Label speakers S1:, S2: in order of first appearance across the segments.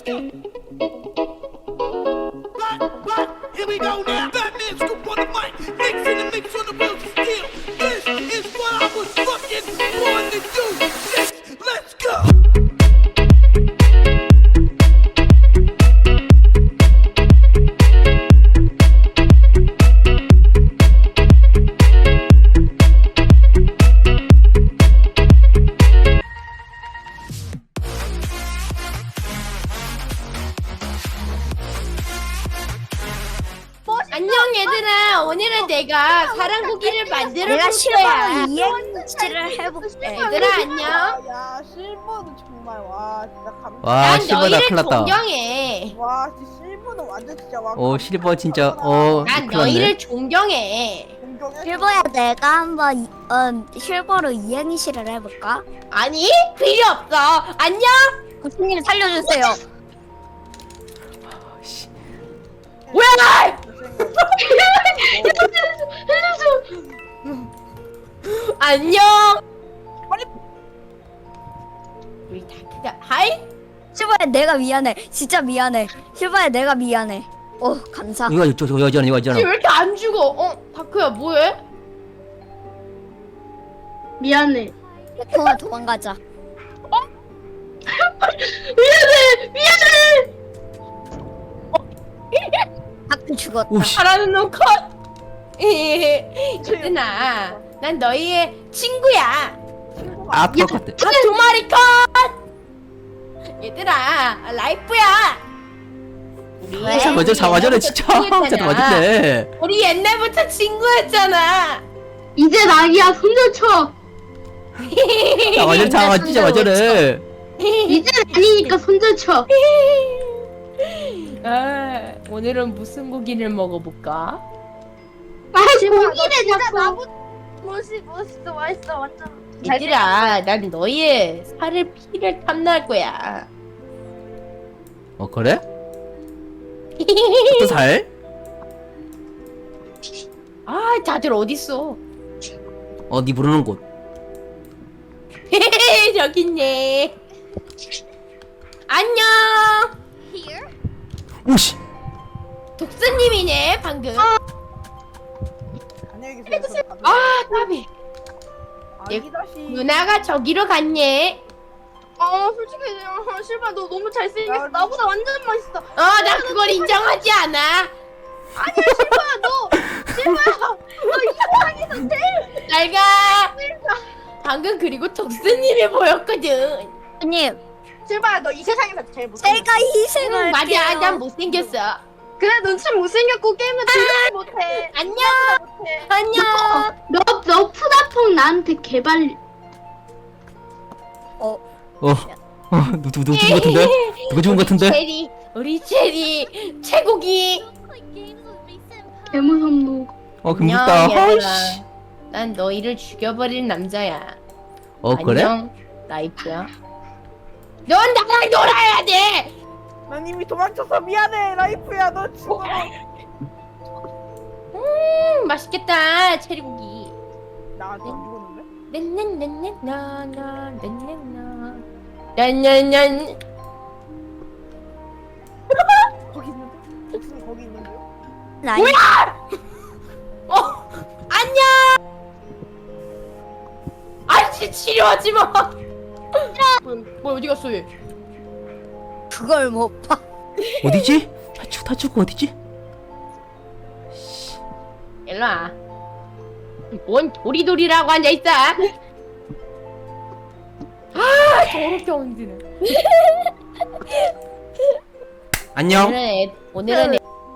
S1: Here we go now. Batman scoop on the mic. Mix in the mix on the wheels of steel. This is what I was fucking born to do. Let's go.
S2: 안녕 얘들아, 오늘은 내가 사랑고기를 만들어
S3: 내가
S2: 볼 거야.
S3: 실버로 이행시를 해볼게.
S2: 얘들아 안녕.
S4: 야 실버는 정말 와 진짜
S5: 와
S2: 난
S5: 실버다
S2: 너희를
S5: 큰일 났다.
S2: 존경해.
S4: 와 진짜 실버는 완전 진짜 와
S5: 실버 진짜
S2: 난
S5: 큰일
S2: 너희를
S5: 났네.
S2: 존경해.
S4: 공경해
S3: 실버야, 내가 한번 실버로 이행시를 해볼까?
S2: 아니 필요 없어. 안녕.
S3: 고수님 살려주세요.
S2: 뭐야? 안녕.
S4: 빨리.
S2: 우리 다크가 하이.
S3: 실버야, 내가 미안해. 진짜 미안해. 실버야, 내가 미안해. 감사.
S5: 이거 저 여자는 이거
S2: 쟤 왜
S5: 여자는
S2: 이렇게 안 죽어? 다크야 뭐해?
S6: 미안해.
S3: 동아 도망가자.
S2: 미안해.
S3: 다크 죽었다.
S5: 오씨
S2: 잘하는 놈 컷. 얘들아, 난 너희의 친구야.
S5: 아플 것 같아.
S2: 두 마리 컷! 얘들아, 라이프야! 우리
S5: 먼저 잡아줘라 진짜. 진짜 맞았네.
S2: 우리 옛날부터 친구였잖아.
S6: 이제 낙이야. 손절쳐.
S5: 잡아줘라 진짜 맞아래.
S6: 이제 아니니까 손절쳐.
S2: 아, 오늘은 무슨 고기를 먹어볼까?
S6: 아 고기래 자꾸.
S3: 멋있어, 맛있어, 완전.
S2: 얘들아, 난 너희의 살을 피를 탐낼 거야.
S5: 그래? 또 살?
S2: 아, 다들 어딨어?
S5: 네 부르는 곳.
S2: 저기 있네. 안녕.
S5: 오씨.
S2: 독수님이네 방금.
S4: 안녕히 계세요
S2: 아, 까비.
S4: 아기다시
S2: 누나가 저기로 갔네.
S6: 솔직히 실바 너 너무 잘생겼어. 나보다 완전 멋있어.
S2: 나 그걸 인정하지 않아. 잘 가. 방금 그리고 독수님이 보였거든.
S3: 고수님,
S6: 실바야 너 이 세상에서 제일 못해.
S3: 제가 희생할게요.
S2: 맞아, 난 못생겼어.
S6: 그래 넌 참 못생겼고 게임은 즐겁지 못해.
S2: 안녕. 안녕.
S6: 너 푸다퐁 나한테 개발.
S5: 누구 죽은 것 같은데? 누구 죽은 것 같은데?
S2: 우리 체리 최고기.
S6: 개무섭노.
S5: 금묻다.
S2: 얘들아.
S5: 아이씨.
S2: 난 너희를 죽여버릴 남자야.
S5: 그래?
S2: 안녕, 라이프야. 넌 나랑 놀아야 돼.
S4: 난 이미 도망쳐서 미안해 라이프야 너 죽어
S2: 맛있겠다 체리고기.
S4: 나 아직 안 죽었는데?
S2: 난난난난나나난난나 난난난.
S4: 거기 있는데? 복순이 거기 있는데요?
S2: 안녕. 아씨 치료하지 마. 뭐 어디 갔어 얘?
S3: 그걸 못 봐.
S5: 어디지? 다 죽고 어디지?
S2: 일로 와. 뭔 도리도리라고 앉아 있어? 더럽게 얹는.
S5: 안녕.
S2: 오늘은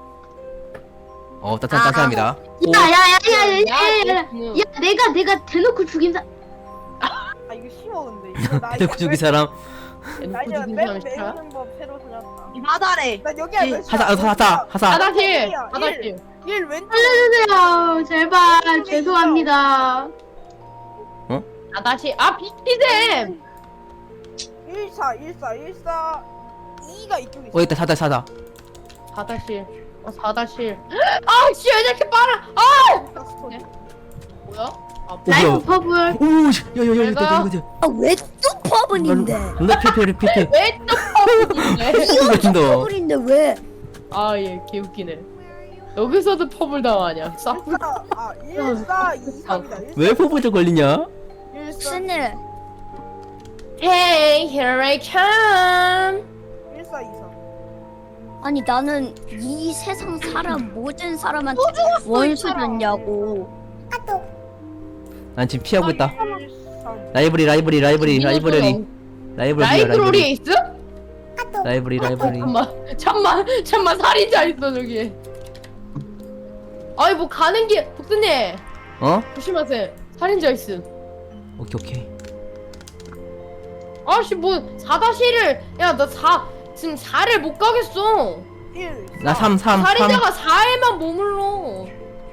S5: 따뜻합니다.
S6: 야야야야야야야.
S2: 음.
S6: 야 내가 대놓고 죽인 사.
S4: 아 이거 쉬워 근데 이거 나
S5: 대구 죽이 사람.
S4: 나 이제
S2: 죽인
S4: 맵
S2: 사람 싫어?
S4: 매우는 법 새로 찾았다
S6: 바다래.
S4: 난 여기야 몇 시야?
S5: 하사.
S2: 하다실. 하다실.
S4: 1 왼쪽
S6: 살려주세요. 제발 죄송합니다.
S2: 하다실. 비키셈.
S4: 14 2가 이쪽에 있어
S5: 있다 사다.
S2: 하다실. 4-1. 씨, 왜 이렇게 빨라?
S4: 스토리.
S2: 뭐야?
S6: 라이프 퍼블.
S5: 오씨 야야야
S2: 내가-
S5: 이거
S3: 왜 또 퍼블인데?
S5: 누나 피해.
S2: 왜 또
S5: 같은데.
S3: 퍼블인데 왜?
S2: 아얘 개웃기네. 여기서도 퍼블 당하냐? 싸.
S4: 1423이다.
S5: 왜 포부적 걸리냐?
S3: 무슨 일?
S2: Hey, here I come.
S4: 1423.
S3: 아니 나는 이 세상 사람 모든 사람한테 원수 줬냐고.
S5: 난 지금 피하고 있다.
S4: 13.
S5: 라이브러리
S2: 라이브러리에 있어?
S5: 라이브러리.
S2: 잠만 살인자 있어 저기. 아이 뭐 가는 길 독수님
S5: 어?
S2: 조심하세요. 살인자 있음.
S5: 오케이.
S2: 아씨 뭐 4-1을 야나 4 지금 4를 못 가겠어.
S4: 1.
S5: 나 3.
S2: 살인자가 4에만 머물러.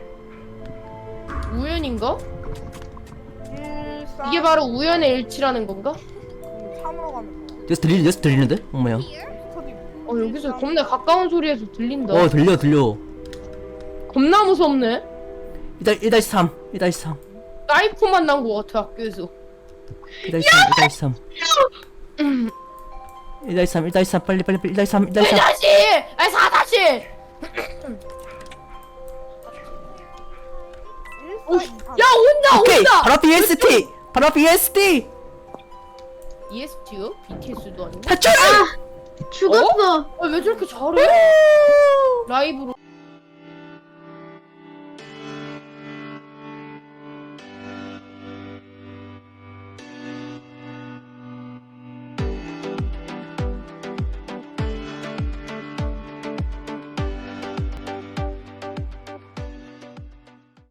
S2: 우연인가?
S4: 1. 4.
S2: 이게 바로 우연의 일치라는 건가?
S4: 3으로 가면 돼.
S5: 여기서 들리는데? 엄마야.
S4: 스터디.
S2: 여기서 겁나 가까운 소리에서 들린다.
S5: 들려.
S2: 겁나 무섭네.
S5: 1-3.
S2: 사이코만 난 거 같아 학교에서.
S5: 1-3. 1-3 빨리 1-3.
S2: 4-1! 아니 4-1! 야
S5: 오케이.
S2: 온다!
S5: 바로 BST.
S2: EST요? BTS도 아니고?
S5: 탈출!
S6: 죽었어.
S2: 왜 저렇게 잘해? 라이브로